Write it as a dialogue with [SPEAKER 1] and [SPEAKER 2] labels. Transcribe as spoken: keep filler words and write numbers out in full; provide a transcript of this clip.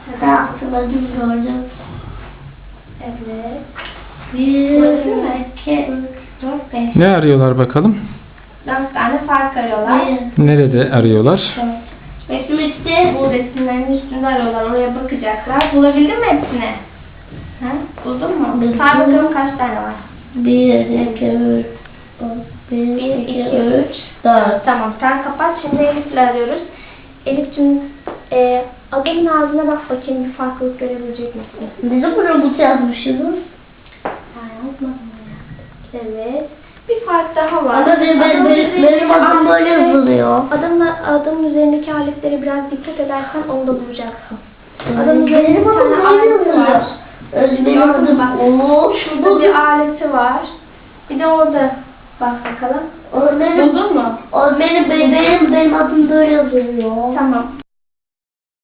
[SPEAKER 1] Ben hatırladım, gördüm.
[SPEAKER 2] Evet.
[SPEAKER 1] Bir, iki, üç, dört, beş.
[SPEAKER 3] Ne arıyorlar bakalım?
[SPEAKER 2] Dört tane fark arıyorlar.
[SPEAKER 1] Bir,
[SPEAKER 3] Nerede arıyorlar?
[SPEAKER 2] Resim üstte, bu resimlerin üstünde arıyorlar. Oraya bakacaklar. Bulabildin mi hepsini? Ha? Buldun mu?
[SPEAKER 1] Buldum.
[SPEAKER 2] Say bakalım kaç tane var?
[SPEAKER 1] bir, iki, üç, bir,
[SPEAKER 2] Bir,
[SPEAKER 1] iki,
[SPEAKER 2] iki,
[SPEAKER 1] üç,
[SPEAKER 2] üç,
[SPEAKER 1] dört.
[SPEAKER 2] Tamam, sen kapat. Şimdi Elif'le arıyoruz. Elif'cim, e, adamın ağzına bak bakayım, bir farklılık görebilecek misin?
[SPEAKER 1] Biz de bu robotu yazmışız.
[SPEAKER 2] Ben yazmadım ya. Evet. Bir fark daha var.
[SPEAKER 1] Ama benim, benim,
[SPEAKER 2] Adamın
[SPEAKER 1] benim,
[SPEAKER 2] üzerindeki
[SPEAKER 1] benim adım böyle
[SPEAKER 2] aletleri-
[SPEAKER 1] yazılıyor.
[SPEAKER 2] Adamın, adamın üzerindeki aletlere biraz dikkat edersen onu da bulacaksın.
[SPEAKER 1] Benim
[SPEAKER 2] Adamın üzerinde bir
[SPEAKER 1] adım
[SPEAKER 2] tane
[SPEAKER 1] böyle
[SPEAKER 2] aleti var.
[SPEAKER 1] yazılıyor. Benim
[SPEAKER 2] Gördün mü
[SPEAKER 1] adım
[SPEAKER 2] bak?
[SPEAKER 1] Umut.
[SPEAKER 2] Şurada bir aleti var. Bir de orada. Bak bakalım.
[SPEAKER 1] O benim,
[SPEAKER 2] Buldun mu?
[SPEAKER 1] o benim, benim, benim, benim adım böyle yazılıyor.
[SPEAKER 2] Tamam.